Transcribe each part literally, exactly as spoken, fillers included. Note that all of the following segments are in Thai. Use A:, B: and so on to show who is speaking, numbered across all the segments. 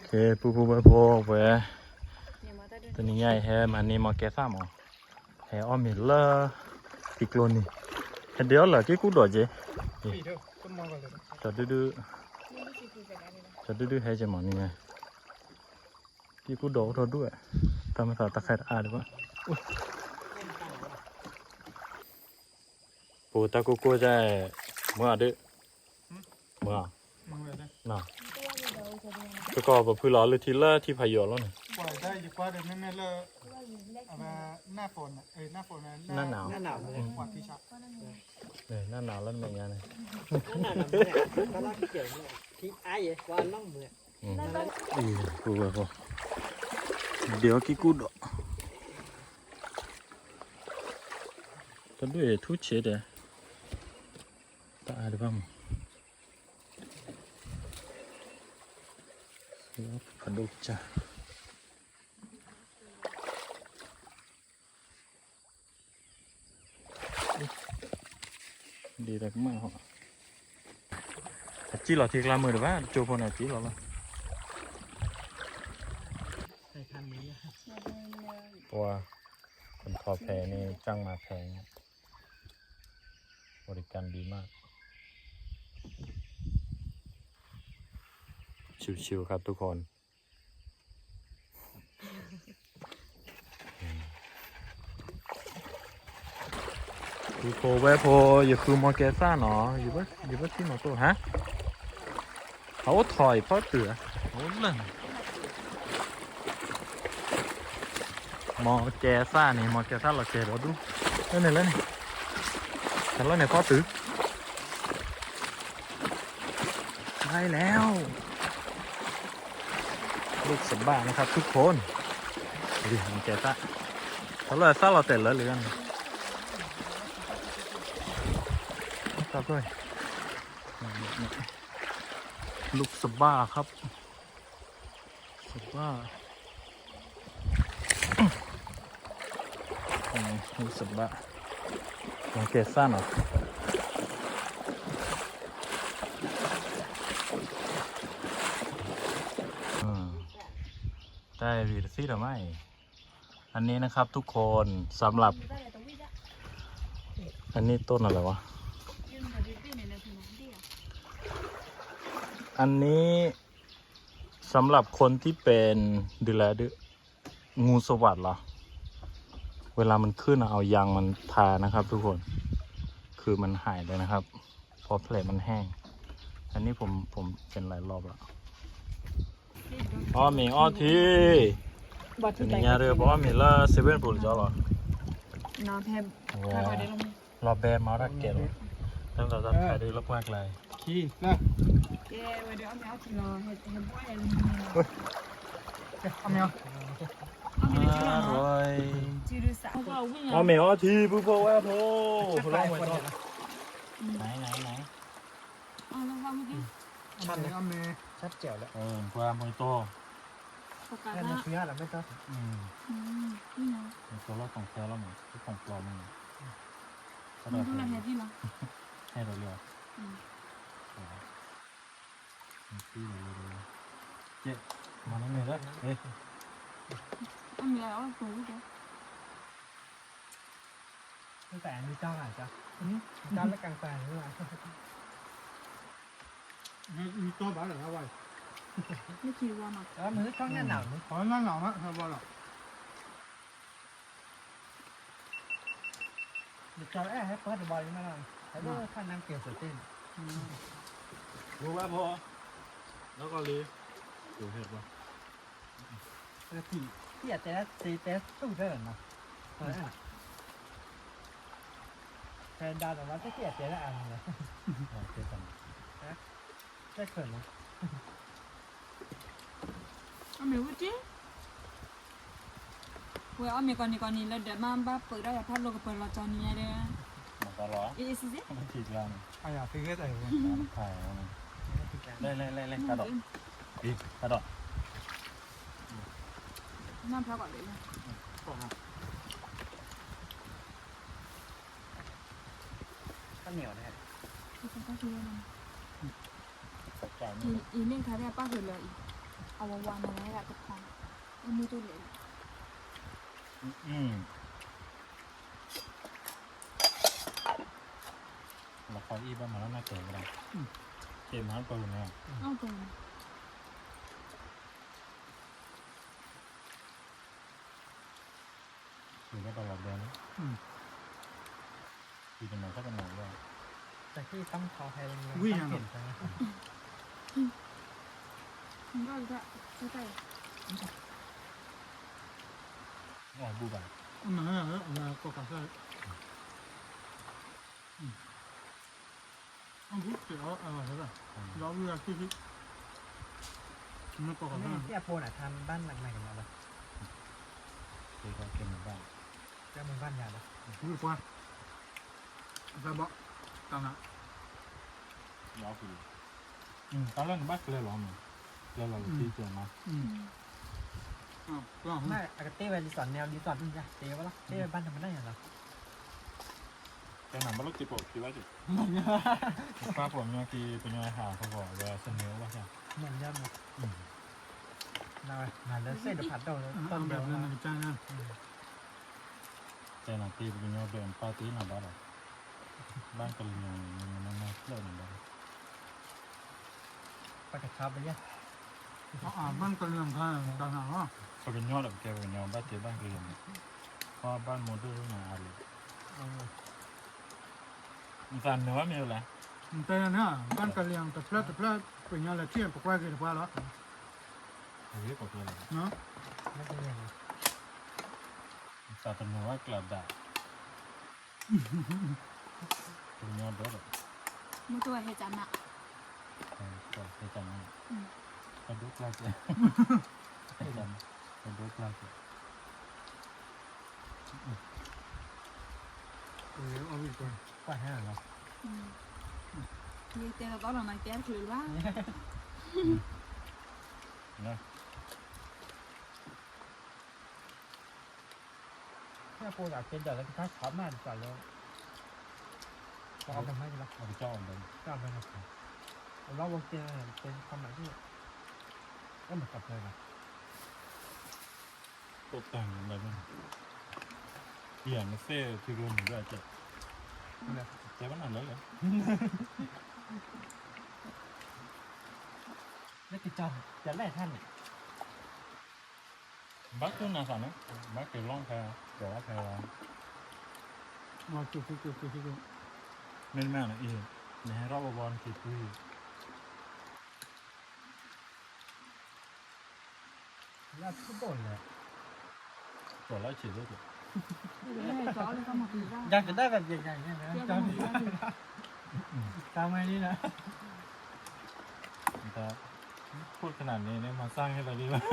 A: เคปูปูไปโพไปตัวนี้ใหญ่แฮมันนี่มาแกซ่าหมอแฮอ้อมมีเลอติกโลนี่เดี๋ยวเหรอที่กูโดดเจจะดื้อดื้อจะดื้อดื้อให้จะหมอนี่ไงที่กูโดดโดดด้วยทำมาต่อตะไคร้อาดีกว่าปูตะกูกูจะเมื่อดื้อเมื่อน่ะแล้วก็แบบพื้นร้อนเลยทีละที่พายแล้วเนี่ย
B: ปล่อยได้อยู่กว่าเดี๋ยวแม่แม่เลิกเอามาหน้าฝนเอ้ยหน้าฝนนะ
A: หน้าหนาว
B: หน้าหนาวเลยกว่าที่ชัก
A: เนี่ยหน้าหนาวแล้วเป็นยังไง
C: หน้าหนาวเนี่ยตอนแรกที่เกี่ยวเนี่ยที่ไอ้ว่าน้องเมื่อ
A: อืมกูแบบเดี๋ยวกี่กูดก็ด้วยทุกเฉดเลยตาดีบ้างแล้วกระดูกจ้ะดีแต่ก็ไม่หรอกจีหล่อที่กลางมือหรือว่าโจพนจีหล่อละ
C: ใส่คันนี้
A: ตัวคนคอแพนี่จ้างมาแพงบริการดีมากชิวๆครับทุกคนดูโพเวโพอยู่คือมอเกซ่าเนาะอยู่บ้านอยู่บ้านที่หนอตัวฮะเขาถอยเพราะเตือโอ้ล่ะมอเกซ่านี่มอเกซ่าเราเจอเราดูเล่นเล่นแต่เราเนี่ยเพราะตื้อได้แล้วลูกสมบ้านะครับทุกคนดิมอเกซ่าเขาเลยซ่าเราเตะแล้วหรือยังครับด้วยลูกสบ้าครับสบ้าลูกสบ้าลองเกซ่าหน่อยได้วีรซีหรือไม่อันนี้นะครับทุกคนสำหรับอันนี้ต้นอะไรวะอันนี้สำหรับคนที่เป็นดูแลดื้องูสวัสดิ์เหรอเวลามันขึ้นเอายางมันทานะครับทุกคนคือมันหายเลยนะครับเพราะแผลมันแห้งอันนี้ผมผมเป็นหลายรอบแล้วอ๋อมีอ้อทีนี่ยาเรือบอกว่ามีละเซเว่นปูหรือจ้าหรอ
D: น้ำแพม
A: รอแบมารักเกลตั้งแต่ตั้งแต่ดูรอบแรกเลย
B: ขี้นะ
D: เย้วันเดียวเอาทีรอเห็ดเห็ดบ้วยอะไร
B: เอาเมียว
A: อร่อย
D: จืดสาว
A: เอาเมียวทีปุ๊บปุ๊บว่าโผล่โผล่มาต่อไหนไหนไหน
D: เอาแล้วว่าเมื่อกี้
B: ชัดเลยเอาเมีย
C: ชัดเจ๋วแล้ว
A: เออพวกมวยโต
C: แค่นี้คืออะไรไม่ต้อง
A: อืม
D: อืมนี่นะ
A: ตัวเราของแท้แล้วมั้งที่ของปลอมมั้ง
D: มันต้องอะไรที่เรา
A: ให้เราเรียกอืมที่เราเรียกเจ๊มาแล้วเนี่ยแล้วเฮ้ย
D: อันนี้แล้วตัวนี้เจ๊
C: ตั้งแต่มีเจ้าอาจจะเจ้าและกลางแปลงนี่แหละ
B: มีตัวบ้าหรืออะไร
D: ไม่คิดว่ามา
C: แล้วมือช่องหน้าหนาว
B: ขอหน้าหนาวมั้ยครับบอลหรอ
C: เดี๋ยวจอแอร์ให้เปิดบอลมาหน่อยแล้วก็ท่านน้ำเกี่ยวสุดติ้น
A: รู้ว่าพอแล้วก็รีดูเห็ดป่ะ
C: แล้วที่ที่อาจจะตีเตสตู้เดินนะแทนดาวแต่ว่าที่อาจจะได้อ่านเลย
A: เจอกัน
C: นะได้เขินนะ
D: เอาเมียว่าจีเว้ยเอาเมียก่อนนี่ก่อนนี่แล้วเดี๋ยวมาบ้าเปิดได้พัดลมกับเปิดเราจอนี้ได้
A: มันก็ร้อน
D: อีสิสิ
A: มันฉีดยาเนี่ย
B: ไอ้ยาฟิกเกอร์อะไร
A: เนี่ยถ่ายแล้วเนี่ยเล่นเล่นเล่นเล่นกระโดดอีกระโดด
D: น้ำพักก่อนเลยนะ
C: ข้าวเหนียวนะฮะ
D: ที่ฉันก็คิดว่ามัน
A: ตกใจ
D: อีอีเล่นคาเร่ป้าเห็นเลยอีเอาวางมาแล้วก็พอเอามือตัวเล็ก
A: อืมเราคอยอีบ้านมาแล้วน่าเกิดอะไรเกมฮันปืนเนี่ย
D: เอาตรง
A: อยู่ได้ตลอดเดือนนะปีเป็นหนึ่งก็เป็นหนึ่งด้วย
C: แต่ที่ต้องขอให้เงิน
B: วิ่ง
C: ต้
B: ยั
C: อง
B: ง
C: เปลี่ยนไปนะ
D: มันก็จะใช่ใช่
A: อ๋อบูบา
B: อืมนั่นแหละเราก็กระใส่อืมอันนี้เดี๋ยวเอาอะไรล่ะเราเลือกที่ที่มันก็กระ
C: ไม่
B: ใส่
C: ที่อาโปนอ่ะทำบ้านหลังใหม่กันแล้วปะ
A: เกี่ยวกับเกมบ้าน
C: จะมีบ้านยาปะ
B: รู้ป่ะแต่บอกตอนนั้น
A: ยาวคืออืมตอนแรกบ้านเลยหรอมึงเลยเราที่เจอมา
B: อืมอ้าวก็
C: ไม่อากาเต้ไปรีสอร์ทแนวรีสอร์ทนี่จ้ะเต้ปะล่ะเต้ไปบ้านทำมันได้ยังไง
A: แต่หนังบ้านลูกจีบคิดว่าจะป้าผมเนี่ยคือเป็นยังไงหาเขาบอกว่าเสนอว่าใช่
C: เหมือนยันเลยน่าหาแล้วเส้นเดือดผัดโดนต้
B: ต้
C: น
B: น
C: เดี
B: แบ
C: ยว
B: บนั้นนะจ้านะ
A: แต่หนังตีเป็นยังไงเดินปาร์ตี้หนังบ้านเราบ้านกะเหรี่ยงมันมันน่าเที่ยวหนังบ้าน
C: ไปกระชับไปยัง
B: เขาอ่านบ้านกระเรื่องข้างต่างหากว่า
A: เขาเป็นยอดแบบแกเป็นยอดบ้านเจ๊บ้านกะเหรี่ยงเพราะบ้านโมเดิร์นมาอะไรมันสั่นเนื้อมีอะไร
B: แต่เนี่ยบ้านกระเรื่องแต่เพลิดแต่เพลิดเป็นยังไงเที่ยงปกไว้กันหรือเปล่าล่ะ
A: เฮ้ยปกติเลย
B: เนาะ
C: ไม่เป็นยังไง
A: สั่นเนื้อกระดาษเป็นยอดด้วยแบบ
D: มือตัวเฮจันอะ
A: ก็ไปจำนะกระดูกลากเลยไปจำกระดูกลากเลย
B: เออเอาอีกก่อน
C: กว่าห้าเหรอ
D: มีเตะก็เรามาแก้คือว่า
A: นะ
C: ถ้าโปรดักต์เป็นเดี๋ยวเราจะช็อปมาดีกว่าเลยก็เอาไปให้ดีละ
A: เอาไปเจ้าเลย
C: ก็เอาไปนะครับเราวงเจอเป็นความหมายที่ก็เหมือนกับเลยนะ
A: ตกแต่งอะไรบ้างเปลี่ยนเซ่ที่รวมอยู่ด้วยเจ๊เจ๊บ้านไหนเลยเหรอ
C: แล้วติดจอจะไล่ท่านเนี่ย
A: บักตัวน่าสั่นนะบักเกี่ยวร่องแพรเดี๋ยวว่าแพรร้อง
B: มาจุกจุกจุกจุกจุก
A: ไม่แม่นะอีในให้รอบบอลคิดคุย
C: แล้วทุกคนเลย
A: ตัวแล้วฉีดด้วยจ้ะ
D: ไม่ให้จ้อเลยก็มาคือว่า
C: อยากจะได้แบบใหญ่ๆเนี่ยนะ
D: เที่ยว
C: จ
D: กั
C: อน ม
D: หมดแล้ว
C: ตามไอ้นี่นะ
A: แต่พูดขนาดนี้เนี่ยมาสร้างให้เราดีวะ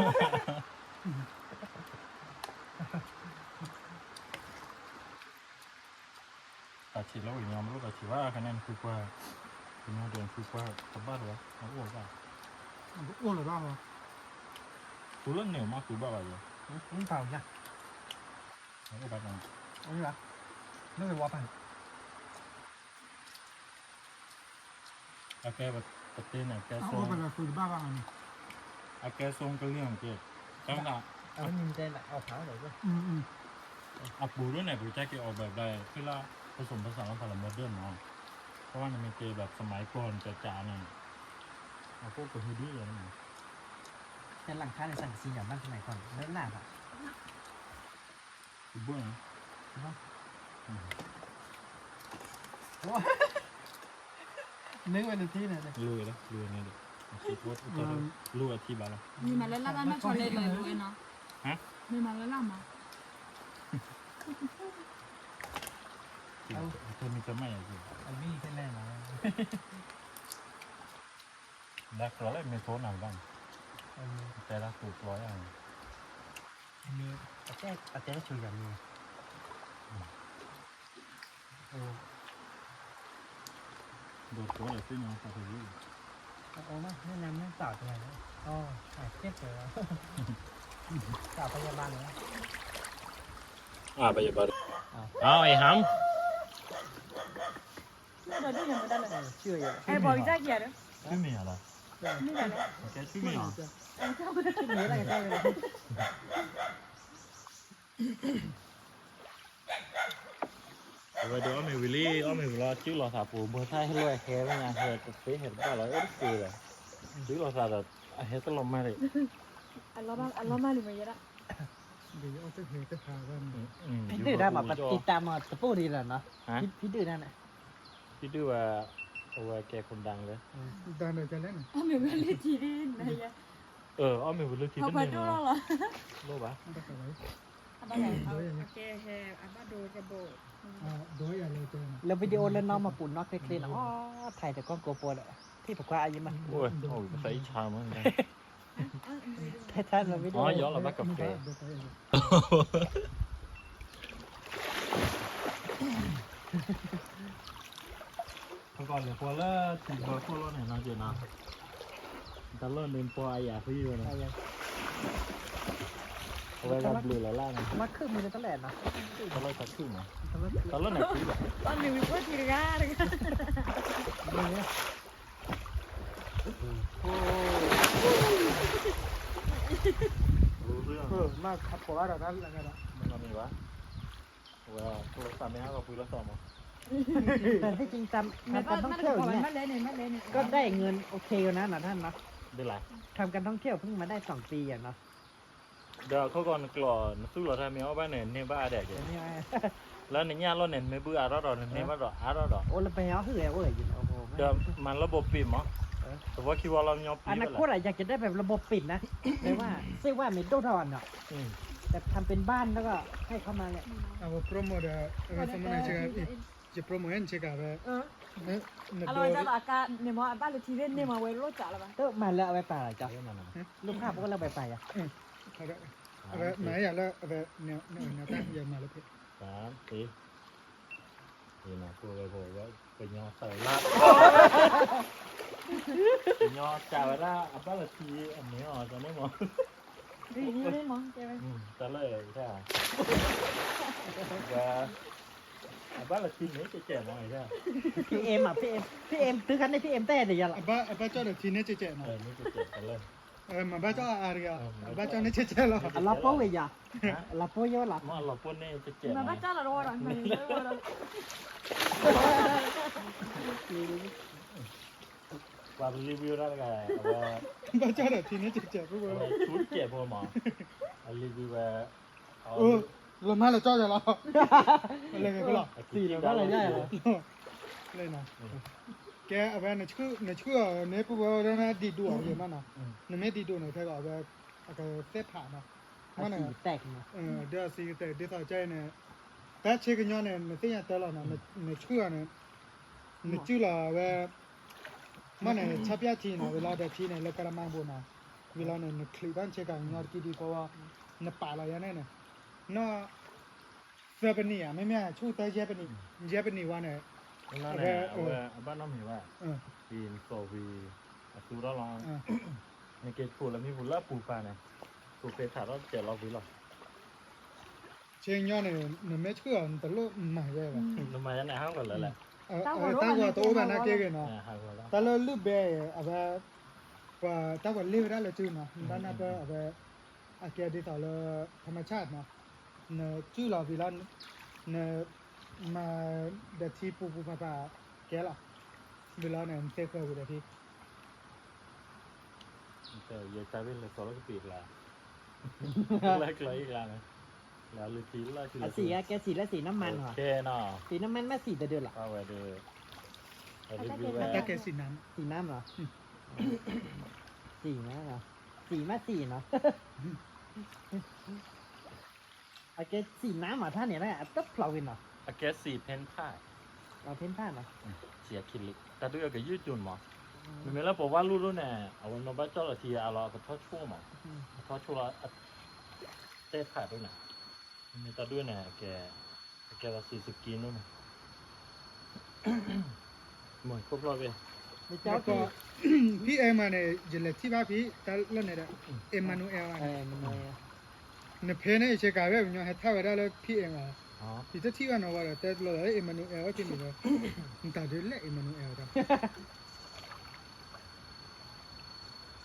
A: ตัดฉีดแล้วอีกยอมรู้ตัดฉีดว่าคะแนนคือกว่าเป็นโมเดลคือกว่ากับบ้านหรอเขาอ้วกว่า
B: อ้วนหรือเปล่า
A: ตัวเรื่องเหนียวมากคือบ้าอะไรอยู่
C: นี่เปล่าจ้ะ
A: เขาอ้วกแบบนั้น
C: เอาดีกว่าไม่เป็นวอปัน
A: อาแกแบบปฏิเนี่ยแก
B: เอา
A: ทรง
B: ไปเลยคือบ้าบ้าอันนี้
A: อาแกทรงก็เรื่องเกิดจังหวะ
C: เอาไม่มีใจหลักเอาขาวเลยด้วย
B: อืมอืม
A: อับปูด้วยเนี่ยปูแจ็คเกออกแบบได้คือละผสมผสานกับพลังโมเดิร์นเนาะเพราะว่ามันเป็นเกแบบสมัยก่อนจ๋าๆเนี่ยเอาพวกกับฮูดี้อะไรเนี่ย
C: แต่หลังคาในสังกะสีอย่างบ้านสมัยก่อนเลิศหลาบอ่ะ
A: คือเบื้อง
C: นึกไปในที่ไหนเลย
A: ลุยแล้วลุยเนี่ยเด็กคิดว่าจะลุยอาทิตย์บ้างแล้ว
D: มีมาแล้วล่ะไม่ชนเลยเลยเลยเนาะมีมาแล้วล่ะมา
A: เธอมีจะไม่อะไร
C: เอาวิ่งขึ้นแน่นอน
A: ดักร้อยไม่โทษหนักบ้าง
C: เอามี
A: แต่ละถูกร้อยอ่ะ
C: มีอาเจ๊อาเจ๊ชูอย่างนี้โอ้
A: โดดตัวอะไรขึ้นเนาะพอดี
C: โอ้มาแนะนำเรื่องสาวตัวไหนนะอ๋อหายเครียดเลยสาวพยาบาลเลย
A: อ่าไปอย่าบัดเอาไอ้หำ
D: เดี๋ยวดูยังไม่ได้เลย
C: เชื่ออยู่
D: ไอ้บอยจะเกียร์
A: ไม่มีอะไร
D: อไม่ได้แล้ว
A: แกชื่อไม่หรอ
D: เออเข้ามา
C: ชื่อนี้อะไรกันได้เลย
A: Vậy đó mày Willy, ó mày lo chứ lo thà phụ bữa thay hello hè với nhà hè tế hè ba là ít cười rồi. Chứ lo thà là hè tao làm mai đấy.
D: อันล้อมาอันล้อมาหรือไม่ยัดอะ
B: เดี๋ยวเอาไปเหตุพากัน
A: Ừ.
C: พี่ดื้อได้มาปฏิตามมาตะปูดีแล้วเนาะ
A: Hả?
C: พี่พี่ดื้อนั่นน่ะ
A: Chứ đưa vào vào kẻ con đằng đấy.
B: ดันเลยจะเล่น
D: อ้าวไม่เป็นเลยทีนี้นะยะ
A: Ờ, ó mày Willy thì
D: เขา
A: tất
D: ไป
A: nhiên
D: ดู
A: mà.
D: แล้วเหรอ
A: Lô bá.
B: ไม่ได้ไปไหน
D: อันบ้าไหนเอาโอเคแฮอันบ้าดูระบบ
B: อ่าโดยอะไรเจอ
C: แล้ววิดีโอเล่นน้องมาปุ่นนอกเคลียร์ๆอ๋อถ่ายแต่กล้องโกโปรเลยที่บอกว่าอายุมัน
A: Ôi, ôi, có thấy sao mà.
C: แท้ๆเราวิดีโอ
A: Ó, gió là bác cà phê. Không còn là qua là chỉ có qua lo này nói chuyện nào. Ta lên đến qua ai à phi rồi này. Quay ra blue là la này.
C: มาคือมือในตะแหลนเนาะ
A: Ta lên thật chứ mà. Ta lên này phi rồi.
D: ตอนนี้วิวทีระเลยค่ะ
A: Blue rồi.
B: เออมากขับขวาเรานั้นอะไรกัน
A: Mình làm gì quá? Wow, tôi làm mấy áo phi là sao mà.
C: แต่ที่จริงตาม
D: ไม่
C: ทำ
D: ก็
C: การท่อง
D: ไม่
C: เที่ยวอย่าง
D: ไม่
C: เงี้ย
D: ไม่เลยเนี่ยไม่เลยเนี่ย
C: ก็ได้เงินโอเคอยู่นะนะท่านเนาะ
A: Đi lại.
C: ทำการท่องเที่ยวเพิ่งมาได้สองปีอ่ะเนาะ
A: Giờ có còn clò nó xu là thay méo ba này nên ba đẻ
C: เดี๋
A: kìa.
C: ยวนี้ไอ้
A: Lên này nha, lên này mới bữa áo đó rồi nên bắt rồi áo đó rồi.
C: โอ้แล้วไปเอาเหื่อยโอ้ยอยู่โอ้โห
A: Giờ mà nó bột pìm á. Tôiว่าคิดว่าเรายอม
C: อ
A: ปี
C: นา
A: ไป
C: คตอะอยากจะได้แบบระบบปิดนะแต่ว่าซื้อว่าเมดโดทอนเนาะ
A: อืม
C: แต่ทำเป็นบ้านแล้วก็ให้เข้ามาเนี่ย
B: เอาโปรโมทอะไรสมัยเชื่อจะโปรโมทเห็นเชื่อกันเลย
D: เออ
B: เนื้อเนื้อ
D: อ
B: โด
D: ร่อย
B: ย
D: จังอะกาเนี่ยมั้งบ้านเลขที่เล่นเนี่ยมาไว้รถจ่าละบ้าง
C: เออมาแล้วเอาไปป่าเหรอจ๊ะ
A: เดี๋ยวมาหน่อย
C: ลูกค้าพวกเราไปป่าอ่ะ
B: เอาละเอาละไหนอย่าละเอาละเนี่ยเนี่ยเนี่ยตั้งยังมาแล้วพี่
A: สามสี่นี่นะพูดไปโผล่ว่าเป็นยอใส่ลาดเป็นยอจ่ายละอัปเปอร์ทีอันนี้อ๋อจะไม่หมด
D: ดีนี่เล่นมั้งเจ๊ไหม
A: อืมจะเลยใช่ว่าอัปเปอร์ทีนี้จะแก่หน่อยใช่
C: พี่เอ็มอ่ะพี่เอ็มพี่เอ็มซื้อคันให้พี่เอ็มเต้เดี๋ยวอย่าละ
B: อาบ้าอาบ้าเจ้าเดี๋ยวทีนี้จะเจ๊
A: เอ
B: นะ
A: อนี่จะเจ็บกันเลย
B: เออมาบ้าเจ้าอะไรกันอาบ้าเจ้านี่จะเจ๊หรอ
C: อ่ะลาโป้เลยอย่าลาโป้เยอะละ
A: มอเราพวกนี้จะเจ็บ
D: มาบ้านจ่าละรอหน่อยมาเลยรอหน่อย
A: ว่ารีวิวได้ไงว่า
B: บ้าเจ้าเดี๋ยวทีนี้จะเจ๊พวกเรา
A: ชุดเจ็บพอหมอรีวิวว่า
B: เออเรามาแล้วเจ้าจะรออะไรกันก็หรอ
C: สี่แล้วก็อะไรได้เหรอ
B: เลยนะแกเอาไปในชื่อในชื่อในพวกเราเนี่ยดีดูอะไรมันนะในไม่ดีดูในเท่ากับว่าอะไรเส้นผ่านนะมัน
C: สี
B: เนี่ย
C: แตกเนาะ
B: เออเดี๋ยวสิแต่เดี๋ยวต่อใจเนี่ยแต่เช็คย้อนเนี่ยในที่ยังแต่ละนะในในชื่อเนี่ยในชื่อละว่ามันเนี่ยชับยาทีนะเวลาเดี๋ยวทีเนี่ยเรากระมังบุนะเวลาเนี่ยในคลิปนั้นเช็คกันย้อนกี่ดีเพราะว่าในป่าเราอย่างนี้เนี่ยเนาะเสื้อเป็นนี่อ่ะไม่แม่ชูแต่เย็บเป็นนี่เย็บเป็นนี่ว่าเนี่ย
A: นั่นแหละว่าบ้านน้องเห็นว่า
B: เออ
A: ปีนโซวีสูเราลอง
B: เออ
A: ในเกจปูแล้วมีบุลล่าปูปลาเนี่ยปูเฟถาเราเจ็ดเราวิหรอ
B: เชียงย้อนเนี่ยในไม่เชื่อแต่ลูกใหม่เลยว่ะ
A: ทำไมนั่นแหละห้ามกันเลยแหละ
B: เออเออตั้งว่าตัวแบบนั้นเก่งเนาะ
A: ห้ามกันแล้ว
B: แต่เราลูกเบย์เอาไปว่าตั้งว่าเลี้ยวได้เลยจื้อเนาะด้านนั้นก็เอาไปอาเกียดีต่อเลยธรรมชาติเนาะเนื้อจื้อเราวิลานเนื้อมาเด็ดที่ปูปูปลาปลาแกล่ะวิลานเนี่ยเซ็กเกอร์วิลาที่
A: แต่ยายใจเป็นเลยสองร้อยปีกละแรกเลยอีกแล้วนะแล้วลือทีละที
C: อ่ะ
A: ละ
C: สีอะแกสีและสีน้ำมันเหร
A: โอ
C: อ
A: เคเนาะ
C: สีน้ำมันแม่สีแต่เดือดเหรอ
A: เอาไว้ดูเอารีวิว
B: ตะเกียบสีน้
C: สีน้ำเหรอสีนะเหรอสีมาสีเนาะโอเคสีน้ำเหรอท่านเนี่ยนะต๊บเปล่าวินเหรอ
A: อเกสสี่เพนผ้า
C: เราเพ้นผ้าเหรอ
A: เสียคิลิแต่ด้วยกับยืดจุนหมอมันไม่แล้วบอกว่ารู้รู้แน่เอาวันมาบ้าเจ้าละทีเอาเราก็ทอดชั่วหมอทอดชั่วเราเต้ผ่าด้วยนะมีแต่ด้วยแน่แกแกละสี่สิบกินนู่นนะหมดครบรอบเลย
C: ไม่
B: ำ
C: เจ้า
B: แล้วก็
C: คือ
B: พี่เอ็มมาเนี่ยจะเล็กที่บ้านพี่แต่เล่นเนี่ยเอ็มมานูเอล
C: เออมันเลย
B: เนี่ยเพนเนี่ยเช็คกันแบบเนี่ยให้ท่าไว้ได้แล้วพี่เอ็มมา
A: อ๋อ
B: ที่จะที่ว่าเราว่าแต่เราเอ็มมานูเอลว่าที่นี่เลยมันตัดด้วยแหละเอ็มมานูเอลจ้ะ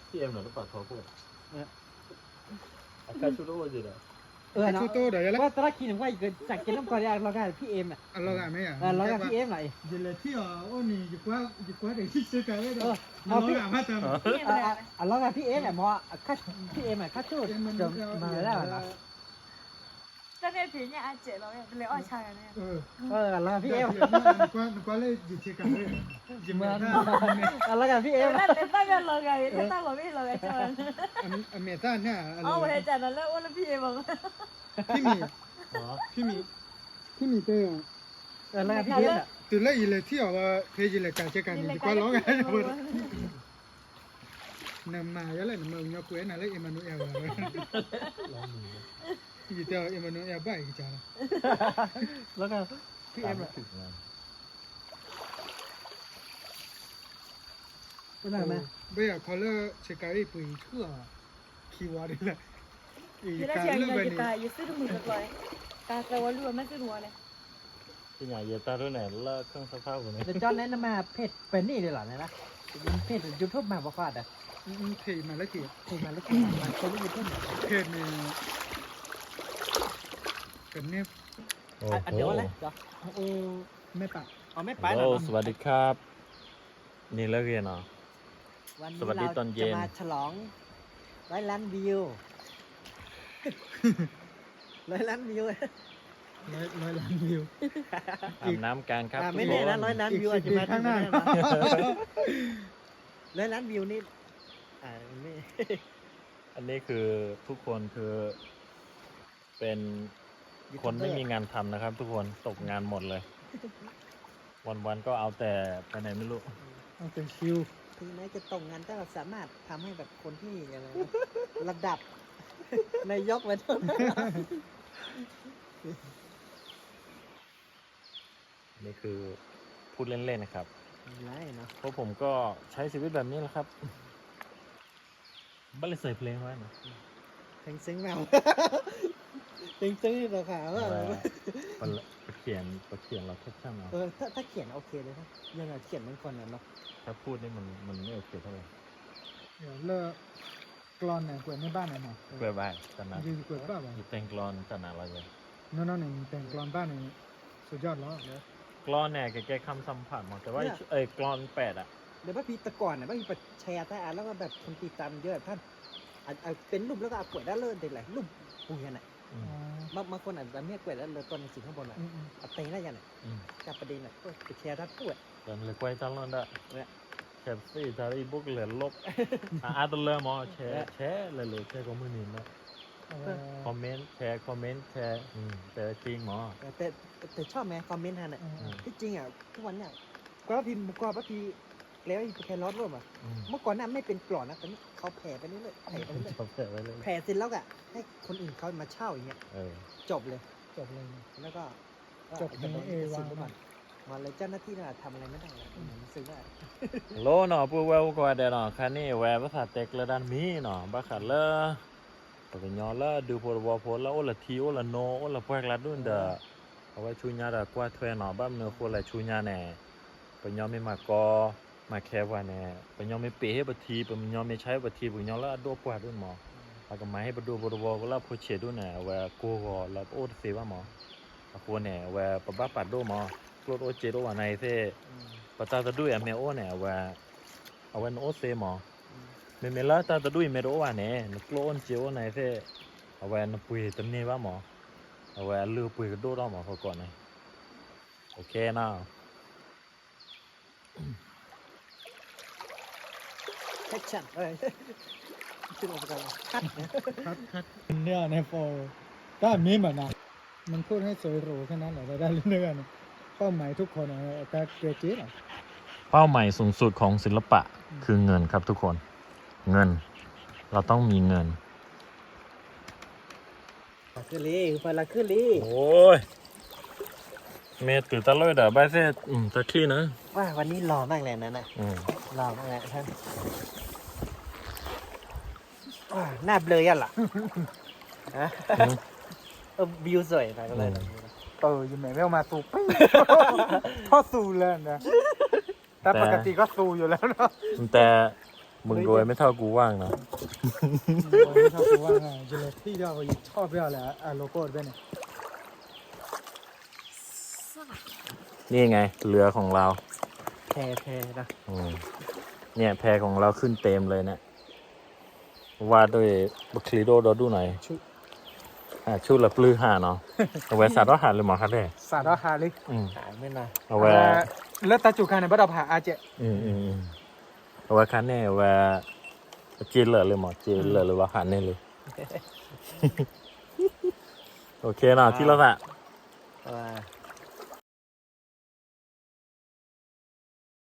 A: พี่เอ็มหน่อยหรือเปล่าเขาพูดอาการชุดโอ้ยจีเด้อ
C: เออเนาะ
B: ชูโตเดี๋ยวแล้ว
C: ว่าตอนแรกคิดว่าจากกินน้ำก่อนอยากลองกันพี่เอ็มอ่ะ
B: เรากันไหมอ่ะ
C: เออลองกันพี่เอ็มหน่อย
B: เดี๋ยวที่อ๋อโอ้นี่อยู่กว่าอยู่กว่าเดี๋ยวที่ซื้อกันเลยเดี๋ยว
C: เอา
B: เรา
C: พี่
B: กันมาเติม
C: อ่ะอ่ะลองกันพี่เอ็มอ่ะมอคัดพี่เอ็มอ่ะคัดชุดจะมาแล้วนะ
D: 但那别人俺姐了，也不来二千人呢。
B: เออ
C: เออลองกันพี่เอ็ม
B: กว่า กว่าเลยอยู่ซื้อกันเลยยิ้ม
C: เหมื
B: แม่
C: อน
B: ท่า
C: ลองกันพี่เอ็ม
D: 那那大概老个，那大老妹老个叫人。
B: แม่ท่าเนี่ย
D: 哦，我还讲了，那我那屁嘛。
B: พี่มีพี่มีพี่มีเต้อ
C: เออลองกันพี่เอ็มอ่ะ
B: ตื่นแล้วอีเลยที่อ๋อว่าเพจเลยการเช็คกันดีกว่าร้องกันหมดนำมาแล้วนำมาเนี่ยคุยนั่นแหละเอ็มมานูเอลเลยยี่เดียวเอ็มมานูเอลบ้าอีกจ้า
C: ลองกันพี่เอ็มอ่ะ
A: ถึงงาน
C: เป็นไงไหม
B: เบียเขาเลิกเช็คการีปุ๋ยชั่วคีวาร์ดเลยอี
D: 原来
B: การ
D: 是
B: เลิก
D: 人
B: ไป
D: 家
B: นี่
D: 给他也是这么个来，但是我如果没是我嘞，
A: พี่ใหญ่เยตาด้วยไหนเลิกเครื่องซักผ้าคนนี้
C: เดี๋ยวจอนแนะนำมาเพจเป็นนี่เลยเหรอเนี่ยนะเพจยูทูบมาบอกว่าอ่ะ
B: เพจมาแล้วกี่
C: เพจมาแล้วกินมาคนรู้ยูทูบ
B: เพจนี่เป็นเนี่ย
A: โอ้
C: อ่ะเดี๋ยวอะไรเดี๋ยว
B: โอ้ไม่ปะ
C: เอาไม่ไป
A: โห
C: หรอ
A: สวัสดีครับ นี่เลิกเรียนเหรอ
C: วัน
A: สวัสดี
C: นี้
A: ต
C: เรา
A: อนเย็น
C: จะมาฉลองร้อยล้านวิวร้อยล้านวิว
B: ร้อยร้อยล้านวิว
A: อาบน้ำกันครับ
C: อ่า
A: ทุก
C: ไม่
A: ค
C: แน่นะ
A: น
C: ร้อยล้านวิวอาจจะมา
B: ข้างหน้า
C: ร้อยล้านวิวนี่อ่าไม่
A: อันนี้คือทุกคนคือเป็นคนไม่มีงานทำนะครับ ทุกคนตกงานหมดเลย วันๆก็เอาแต่ไปไหนไม่รู้
B: เอาแต่ชิว
C: ถึงแม้จะตกงานแต่เราสามารถทำให้แบบคนที่อะไรนะระดับ นายกมาเท่านั้น
A: นี่คือพูดเล่นๆนะครับ
C: ไรเนาะ
A: เพราะผมก็ใช้ชีวิตแบบนี้แหละครับบ้านเลยใส่เพลงไว้นะ
C: เพลงซึ้งแมว เพลงซึ้งนี่เราขาว่า
A: ว่าประเขียนประเขียนเราแคปชั่นเอา
C: เออถ้าถ้าเขียนโอเคเลยนะยังไงเขียนเป็นคนน่ะเนาะ
A: ถ้าพูดนี่มันมันไม่โอเคเท่าไหร่
B: เดี๋ยวเลิกกรอนไหนกวนในบ้านไหนหน่อย
A: เพื่อบ้านขนาด
B: ยืนกวนบ้านบ่
A: อยู่แต่งกลอนขนาดเราเลย
B: น้องๆเนี่ยแต่งกรอนบ้านนี่สุดยอดแล้ว
A: กลอนเนี่ยแก้คำสัมผัสมาแต่ว่าเอ้ยกลอนแปดอ่ะ
C: เดี๋ยวพระพีแตะก่อนน่ะพระพีไปแชร์ใต้อ่านแล้วก็แบบคนติดตามเยอะท่านอ่ะอ่ะเป็นรูปแล้วก็เอากล้วยด้านเลิศเด็ดแหละรูปปูยันน่ะ
A: อืม
C: บางบางคนอาจจะไม่กล้วยด้านเลิศตัวหนังสือข้างบนน่ะ
B: อืมอืม
C: เอาเต็งได้ยันน่ะ
A: อืม
C: จับประเด็นน่ะก็ไปแชร์ด้านกล้วย
A: dan lekoi talon dak.
C: Ya.
A: Chelsea dari book le lop. Ada le mau share share le le share komen ni.
B: เอ่อ
A: Comment share comment share อืมแต่จริงหมอ
C: แต่แต่แต่ชอบไหมคอมเมนต์ฮะน่ะ
B: เอ่อ
C: ที่จริงอ่ะทุกวันเนี่ยก็พิมพ์ก็พระพีแล้วอีกแค่ร้อนร่วมอ่ะ
A: อืม
C: เมื่อก่อนน่ะไม่เป็นกล่อนนะแต่นี่เขาแผ่ไปเรื่อยๆแผ่ไปเรื่อย
A: ชอบแปะไว้เลย
C: ๆแผ่เสร็จแล้วอ่ะให้คนอื่นเขามาเช่าอย่างเงี้ย
A: เออ
C: จบเลย
B: จบเลย
C: แล้วก็
B: จบใน
C: โดน
B: เอ
C: ตัด
B: วา
C: สินไปก่อนมาเลยเจ้าหน้าที่น่ะทำอะไรไม่ได้เลยเหมือนซื้อว่า
A: โลเนาะปูเวลกว่าเดเนาะคันนี้แวภาษาเต็กละด้านมีเนาะบักขัดละปะญอละดูพอวพอละโอละทีโอละโนโอละพวกละดุนเดเอาไว้ชูญาดากว่าถ้วยเนาะบ้านเนื้อคนละชูญาแน่ปะญอไม่มากอมาแค่ว่าแน่ปะญอไม่เปให้บัทีปะญอไม่ใช้บัทีปะญอละโดปวดด้วยหมอปะก็มาให้บดูบดูวละพอเฉดด้วยแน่แวกูก็ละโอเสว่าหมอปะคนแน่แวปะบ้าปัดด้วยหมอโลดโอเจดว่าในเซ่ปะตาตะด้วยอเมโอแน่แวเอาไว้โอเซหมอเมเมล่าตาตะด้วยเมโรว่าแน่นกโลนเจโอในเซ่เอาไว้นปุยตะเนว่าหมอเอาไว้ลือปุยก็ดูดหมอเขาก่อนนะโอเคนะ
C: แคชชั่นเอ้ยชื่ออะไรกันคัดเนี่ย
B: คัดคัดเนี่ยในโฟร์ถ้ามีเหมือนนะมันพูดให้สวยหรูแค่นั้นแหละได้เรื่องๆเป้าหมายทุกคนอะแต่เกรจิอ่ะ
A: เป้าหมายสูงสุดของศิลปะคือเงินครับทุกคนเงินเราต้องมีเงิน
C: คือลีคือไปละคือลี
A: โอ้ยเมตื่นตะเลยเด้อใบเซ่อืมตะขี้นะ
C: ว่าวันนี้หล่อมากเลยนะนะ
A: อืม
C: หล่อมากเลยท่านว้าหน้าเบลอยันล่ะฮะเออวิวสวยนะก็เลยนะ
B: เอออยู่ไหนไม่เอามาสูปี้ พ่อสูเลยนะแต่ปกติก็สูอยู่แล้วเนาะ
A: แต่มึงรวยไม่เท่ากูว่างเนาะ
B: ชอบกูว่าไงจะเลยที่เราชอบเรื่องอะไรอ่ะโลโก้ด้วยเนี่ย
A: นี่ไงเรือของเรา
C: แพรแพรนะ
A: อืมเนี่ยแพของเราขึ้นเต็มเลยเนี่ยวาดด้วยบัคลีโดดอดูหน่อย
B: ชุด
A: อ่าชุดละปลื้อห่าเนาะเอาไว้สาดอาหารเลยหมอครับเด้
B: สาดหาเลย
A: อืม
C: หายไม่นาน
A: เอาไว้
B: แล้วตาจุกันเนี่ยบ่ดอกผ่าอาเจ
A: อืมอืมอืมเอาไว้คันเนี่ยเอาไว้จีนเหลือเลยหมอจีนเหลือหรือว่าหันเนี่ยเลย โอเคเนาะที่เราอะ
C: ว่า